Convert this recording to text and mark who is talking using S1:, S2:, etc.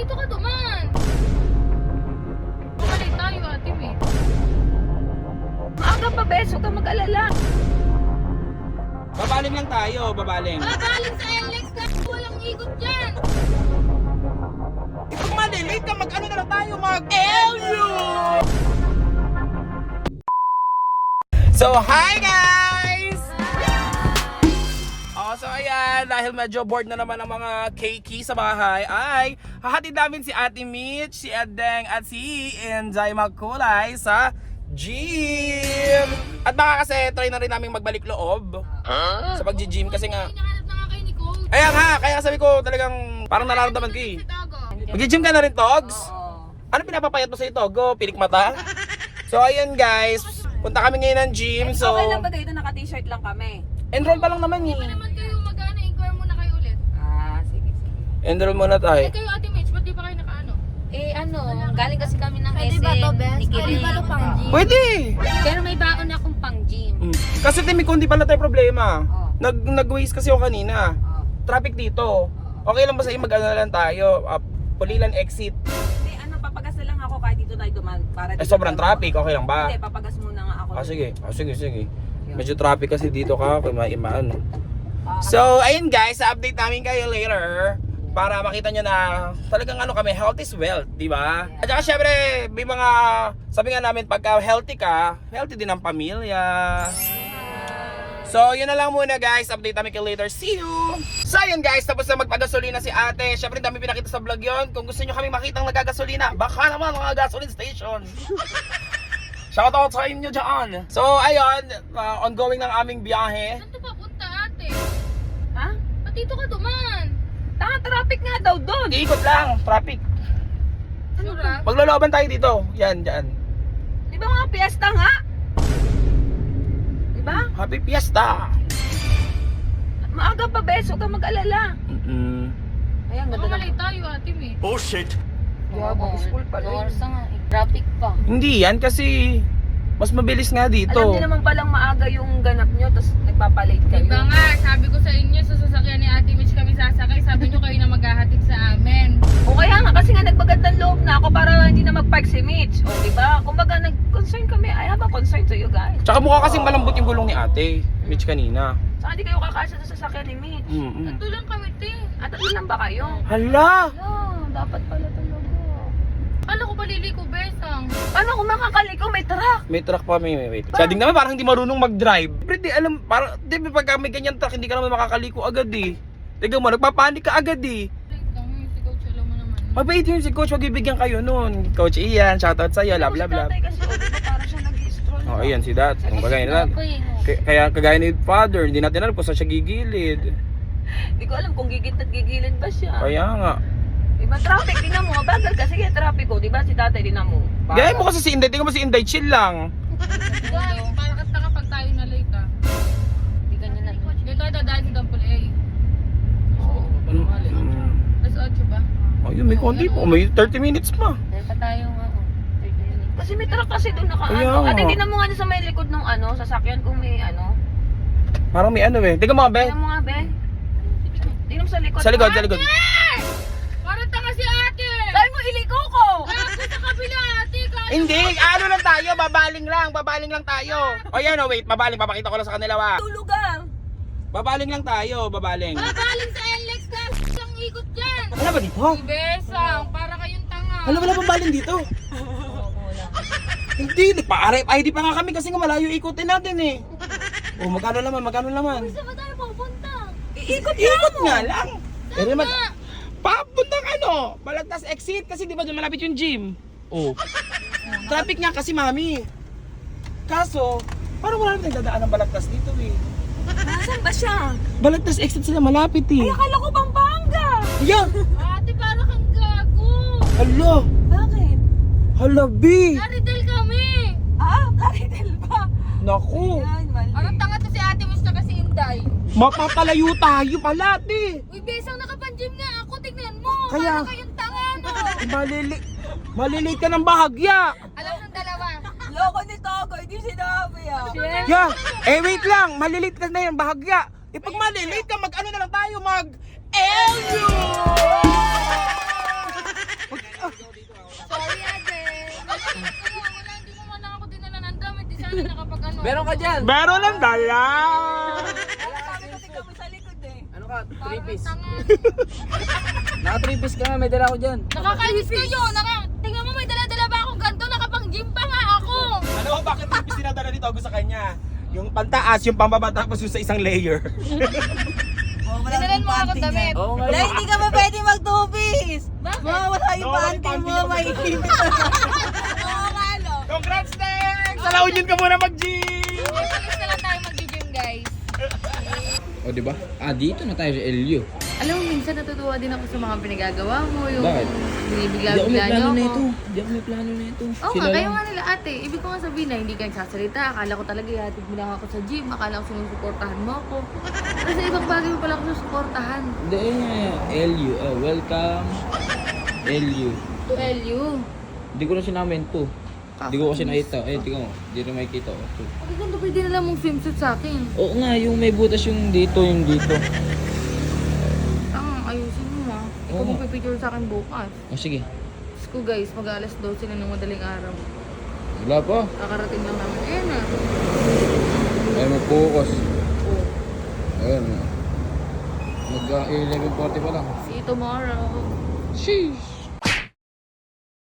S1: dito ka duman. Bumalik tayo, Ate May.
S2: Maaga pa, beso ka mag-alala.
S3: Babaling lang tayo, babaling.
S1: Babaling sa LX ka, walang ikot dyan.
S3: Pag malilate ka, mag-ano na lang tayo, mag-LU! So, hi guys! So ayan, dahil medyo bored na naman ang mga keiki sa bahay, ay hahatid namin si Ate Mitch, si Edeng at si Inday Magkulay sa gym. At baka kasi try na rin namin magbalik loob sa pag-gym kasi nga.
S1: Hinahanap na nga kayo ni Coach.
S3: Ayan nga, kaya sabi ko talagang parang nararamdaman ko eh.
S1: Sa Tago.
S3: Mag-gym ka na rin, Togs?
S2: Oo.
S3: Ano pinapapayat mo sa ito? Go, pilik mata? So ayun guys, punta kami ngayon ng gym. So
S2: Okay lang ba dito? Naka-t-shirt lang kami.
S3: enroll pa lang naman
S1: Hindi pa
S3: eh.
S1: naman kayo mag-ano, inquire muna kayo ulit.
S2: Sige, sige.
S3: Enroll muna tayo.
S1: Eh kayo, Ate Mitch, ba't di pa kayo nakaano?
S4: Galing kasi kami ng
S1: Pwede
S4: SM
S1: ba to, Bes?
S4: ni
S1: Pwede ba to pang gym?
S3: Pwede!
S4: Pero may baon akong pang gym.
S3: Kasi Timmy, kung di pala tayo problema.
S2: Oh.
S3: Nag-waste kasi ako kanina.
S2: Oh.
S3: Traffic dito. Okay lang ba sa'yo mag-ano na lang tayo? Pulilan exit.
S2: Hindi, papagas na lang ako kahit dito tayo duman. Para
S3: Sobrang traffic, okay lang ba?
S2: Hindi, papagas muna nga ako.
S3: Sige. Medyo traffic kasi dito ka, kung maano. So, ayun guys, update namin kayo later para makita nyo na talagang ano kami, health is wealth, di ba? At saka syempre, may mga, sabi nga namin, pagka healthy ka, healthy din ang pamilya. So, yun na lang muna guys, update namin kayo later, see you! So, ayun guys, tapos na magpagasolina si ate. Syempre, dami pinakita sa vlog yun. Kung gusto nyo kami makitang nagagasolina, baka naman mga gasoline station. Shoutout sa inyo dyan. So, ayun, ongoing ng aming biyahe.
S1: Saan to papunta, Ate?
S2: Ha?
S1: Ba't dito ka duman?
S2: Traffic nga daw doon.
S3: Iikot lang, traffic.
S1: Sura?
S3: Magloloban tayo dito. Yan, dyan.
S2: Di ba mga piyesta nga? Di ba?
S3: Happy Fiesta!
S2: Maaga pa, beso ka mag-alala. Ayan,
S1: Baka
S2: ganda
S1: malay tayo, Ate May.
S5: Oh shit!
S2: Yeah, mag-school pala yun.
S4: Orsa nga eh. Traffic pa.
S3: Hindi yan kasi mas mabilis nga dito.
S2: Alam niyo naman palang maaga yung ganap nyo, tapos nagpapalate kayo.
S1: Diba nga, sabi ko sa inyo, sa sasakyan ni Ate Mitch kami sasakay, sabi nyo kayo na maghahatid sa amin.
S2: O kaya nga, kasi nga nagpagandang loob na ako para hindi na mag-park si Mitch. O diba? Kumbaga nag-concern kami. I have a concern to you guys.
S3: Tsaka mukha kasing malambot yung gulong ni ate, Mitch kanina.
S2: Saka hindi kayo kakasya sa sasakyan ni Mitch.
S1: Ito lang kami, te.
S2: At tatlo lang ba kayo?
S3: Hala!
S2: Dapat pala talaga.
S1: Kala ko paliliko, Besang.
S2: Paano kung makakaliko? May truck.
S3: May truck pa, may wait. Siya din naman parang hindi marunong mag-drive. Pero di alam, parang, di ba pagka may ganyan truck, hindi ka naman makakaliko agad eh. Tignan mo, nagpapanik ka agad eh.
S1: Wait lang, si Coach, alam mo naman.
S3: Mabait yun si Coach, wag ibigyan kayo nun. Coach Ian, shoutout sa'yo, love.
S2: Si tatay kasi, o diba parang siya nag-i-stroll.
S3: Oh, ayan si Dad. Kung kagaya na kaya kagaya ni Father, hindi natin alam kung saan siya gigilid.
S2: Hindi ko alam kung gigit at gigilid ba siya.
S3: Kaya nga.
S2: Diba traffic, tingnan mo, bagal kasi kaya traffic ko, diba si tatay, tingnan mo.
S3: Gaya mo kasi si Inday, tingnan mo si Inday, chill lang.
S1: Guys, para ka tanga pag tayo na late, ah.
S4: Hindi ka niya na.
S1: Dito tayo dadaan sa Dampol A. Alas 8 ba?
S3: Ayun, may konti po. May 30 minutes pa.
S4: Dahil pa tayo nga. 30 minutes.
S2: Kasi may truck kasi doon naka
S3: Kaya
S2: ano.
S3: nga.
S2: At tingnan mo nga sa may likod ng ano, sasakyan kung may ano.
S3: Parang may ano eh. Tingnan mo nga, be.
S2: Tingnan mo nga, be. Tingnan mo sa likod.
S3: Sa likod, sa likod.
S1: Parang tanga si Ate!
S2: Sabi mo, iliko ko!
S1: Gago sa kabila, Ate! Kaya
S3: Hindi, ano lang tayo, babaling lang tayo. O yan, oh, wait, babaling, papakita ko lang sa kanila, wa.
S2: Tulugan!
S3: Babaling lang tayo, babaling.
S1: babaling sa LX ka! Lang ikot dyan!
S3: Ano ba dito?
S1: Si Besang, para kayong tanga.
S3: Ano wala babaling dito? Hindi, nagpa-RFID pa nga kami kasi nga malayo ikutin natin eh. Oh, magkano naman?
S1: Saan ba tayo pupunta?
S3: Ikot nga lang. Pero naman, papuntang ano, Balagtas exit kasi di ba doon malapit yung gym. Oh. Traffic nga kasi, mami. Kaso, parang wala naman nagdadaan ng Balagtas dito eh.
S2: Nasaan ba siya?
S3: Balagtas exit sila malapit eh.
S2: Ay, akala ko Pampanga!
S3: Yeah.
S1: Ate, para kang gago!
S3: Hala.
S2: Bakit?
S3: Hala, B.
S1: Naridel kami!
S2: Claritel ba?
S3: Naku.
S2: Yan, mali.
S1: Parang tanga to si Ate Mitch na kasi Inday.
S3: Mapapalayo tayo pala, te.
S1: Uy, Besang, nakapanjim nga ako. Tignan mo.
S3: Kaya-
S1: Para kayong tanga, no?
S3: Malilate ka ng bahagya.
S1: Alam ng dalawa.
S2: Loko ni Togo, hindi sinabi ah.
S3: Yeah. Wait lang. Malilate ka na yan, bahagya. Pag malilate ka, mag-ano na lang tayo, mag-LU!
S2: yan.
S3: Meron ng dala!
S2: Sabi ko tingnan mo sa likod eh.
S5: Ano ka? 3 piece.
S1: Tanga.
S5: Naka 3 piece ka nga, may dala ko dyan.
S1: Nakakainis kayo. Tingnan mo, may dala-dala ba akong ganito? Nakapang-gym pa nga ako.
S3: Ano ba bakit yung sinadala ni Togo sa kanya? Yung pantaas, yung pambaba, tapos yung sa isang layer.
S1: Dinalan mo ako damit.
S5: Oo nga.
S2: Dahil hindi ka pa pwede mag-2-piece.
S1: Bakit?
S2: Mawawala yung
S3: Nawawala
S2: panty
S3: yung
S2: mo,
S3: panty
S2: may
S1: Oo nga, no?
S3: Congrats, Tex! Sa La Union ka muna mag-gym!
S1: Palis na lang tayo mag-gym, guys.
S5: O, diba? Dito na tayo sa LU.
S1: Alam mo, minsan natutuwa din ako sa mga pinagagawa mo. Yung
S5: Bakit?
S1: binibigla-bigla niyo ako.
S5: Hindi ako may plano na ito.
S1: Oo nga, kayo nga nila ate. Ibig ko nga sabihin na hindi ka nagsasalita. Akala ko talaga ihatid mo lang ako sa gym. Akala ko sinusuportahan mo ako. Pero sa ibang bagay mo pala ako susuportahan.
S5: Hindi, LU. Welcome. LU.
S1: To LU.
S5: Hindi ko na sinamin to. Hindi ko kasi nakita. Tingnan mo. Hindi rin makikita.
S1: Bakit ganito pwede na lang mong swimsuit sa akin?
S5: Oo nga, yung may butas yung dito, yung dito.
S1: Ayusin mo ha. Ikaw
S5: Oo.
S1: magpipicture sa akin bukas.
S5: O sige.
S1: Diyos ko guys, mag-alas 12 na ng madaling araw.
S5: Wala pa.
S1: Kakarating lang namin. Ayan na.
S5: Ay, mag-focus.
S1: Oh.
S5: Ayan. Mag-11:40 pa lang.
S1: See you tomorrow.
S5: Sheesh.